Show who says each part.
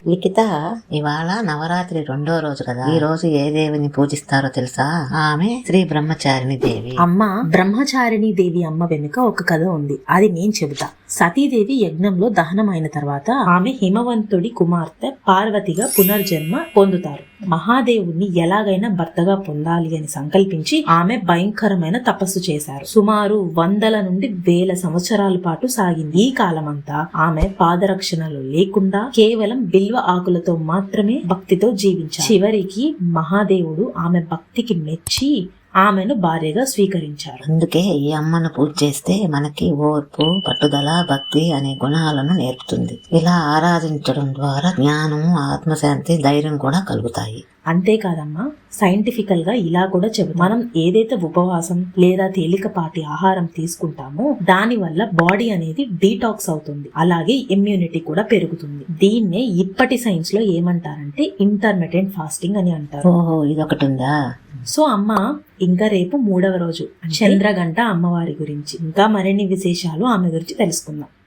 Speaker 1: లిఖిత, ఇవాళ నవరాత్రి 2వ రోజు కదా. ఈ రోజు ఏ దేవిని పూజిస్తారో తెలుసా? ఆమె శ్రీ బ్రహ్మచారిణి దేవి.
Speaker 2: అమ్మ, బ్రహ్మచారిణి దేవి అమ్మ వెనుక ఒక కథ ఉంది, అది నేను చెబుతా. సతీదేవి యజ్ఞంలో దహనమైన తర్వాత ఆమె హిమవంతుడి కుమార్తె పార్వతిగా పునర్జన్మ పొందుతారు. మహాదేవుణ్ణి ఎలాగైనా భర్తగా పొందాలి అని సంకల్పించి ఆమె భయంకరమైన తపస్సు చేశారు. సుమారు 100 నుండి 1000 సంవత్సరాల పాటు సాగింది. ఈ కాలమంతా ఆమె పాదరక్షణలు లేకుండా కేవలం బిల్వ ఆకులతో మాత్రమే భక్తితో జీవించారు. చివరికి మహాదేవుడు ఆమె భక్తికి మెచ్చి ఆమెను భార్యగా స్వీకరించారు.
Speaker 1: అందుకే ఈ అమ్మను పూజ చేస్తే మనకి ఓర్పు, పట్టుదల, భక్తి అనే గుణాలను నేర్పుతుంది. ఇలా ఆరాధించడం ద్వారా జ్ఞానం, ఆత్మశాంతి, ధైర్యం కూడా కలుగుతాయి.
Speaker 2: అంతేకాదమ్మా, సైంటిఫికల్ గా ఇలా కూడా చెబుతాం. మనం ఏదైతే ఉపవాసం లేదా తేలికపాటి ఆహారం తీసుకుంటామో దాని వల్ల బాడీ అనేది డీటాక్స్ అవుతుంది, అలాగే ఇమ్యూనిటీ కూడా పెరుగుతుంది. దీన్నే ఇప్పటి సైన్స్ లో ఏమంటారంటే ఇంటర్మిటెంట్ ఫాస్టింగ్ అని అంటారు.
Speaker 1: ఓహో, ఇదొకటి ఉందా?
Speaker 2: సో అమ్మ, ఇంకా రేపు 3వ రోజు చంద్రగంట అమ్మవారి గురించి ఇంకా మరిన్ని విశేషాలు ఆమె గురించి తెలుసుకుందాం.